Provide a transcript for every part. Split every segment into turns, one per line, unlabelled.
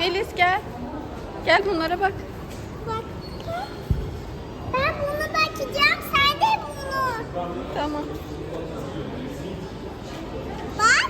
Melis gel. Gel bunlara bak.
Bak. Ben bunu bakacağım. Sen de bunu.
Tamam.
Bak.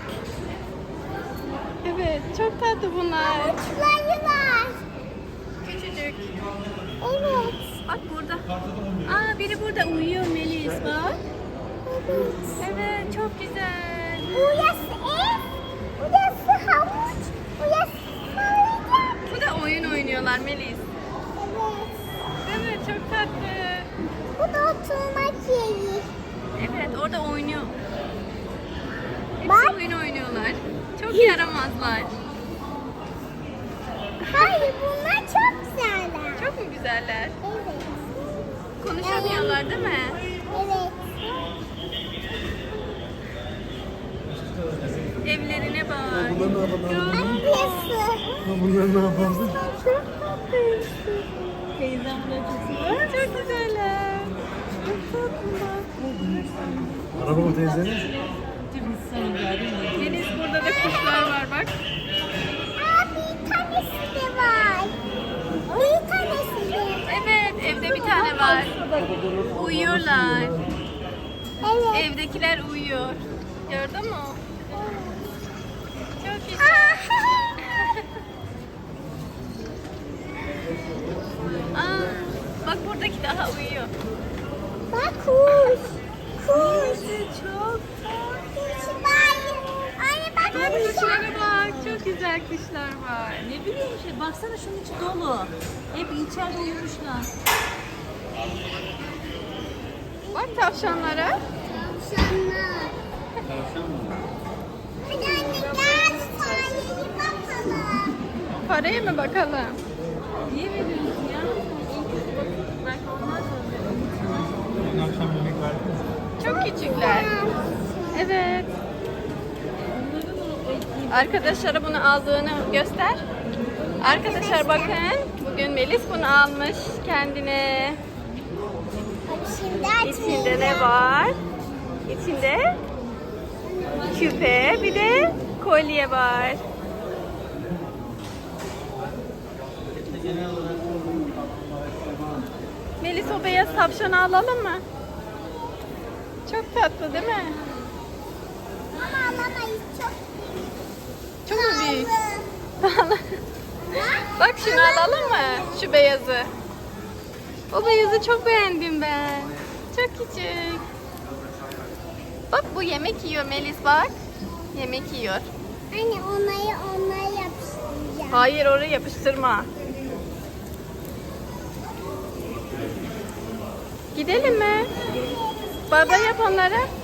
Evet çok tatlı bunlar.
Uçları var.
Küçücük.
Evet.
Bak burada. Aa biri burada uyuyor Melis bak.
Evet.
Evet çok güzel.
Burası ev. Burası havuç. Burası salıncak.
Bu da oyun oynuyorlar Melis.
Evet.
Evet çok tatlı.
Bu da oturmak yeri.
Evet orada oynuyor. Hepsi
Bak.
oyun oynuyorlar. Çok yaramazlar.
Hayır bunlar çok güzeller.
Çok mu güzeller?
Evet.
Konuşamıyorlar değil mi?
Evet.
Evlerine bak.
Bunlar ne yapalım?
Burası.
Bunlar ne yapalım?
Çok tatlıyız.
Teyzem buraya çok güzeller. Çok tatlılar.
Araba mı teyzenin?
Deniz burada da kuşlar var bak.
Aa, bir tanesi de var. Bir tanesi de.
Evet evde bir tane var. Uyuyorlar.
Evet.
Evdekiler uyuyor. Gördün mü? Çok güzel. Aa, bak buradaki daha uyuyor.
Bak kuş. Kuş.
Çok.
Kuş var. Anne bak
Evet
kuş.
kuşlara bak. Çok güzel kuşlar var.
Ne bileyim şey, baksana şunun içi dolu. Hep içeride uyumuşlar.
Bak tavşanlara.
Tavşanlar. Hadi anne gel fareye bakalım.
Paraya mı bakalım?
Niye veriyorsun ya? Belki onlar da
Dün akşam yemek verdiniz mi?
Çok küçükler. Evet. Arkadaşlara bunu aldığını göster. Arkadaşlar bakın. Bugün Melis bunu almış kendine.
Şimdi
İçinde ne var? İçinde küpe bir de kolye var. Melis o beyaz tavşanı alalım mı? Çok tatlı değil mi?
Ama alamayız çok
Çok mu büyük?
pahalı.
Bak şunu alalım mı? Şu beyazı. O beyazı çok beğendim ben. Çok küçük. Bak bu yemek yiyor Melis bak. Yemek yiyor.
Anne onları yapıştıracağım.
Hayır oraya yapıştırma. Gidelim mi? Baba yap onlara.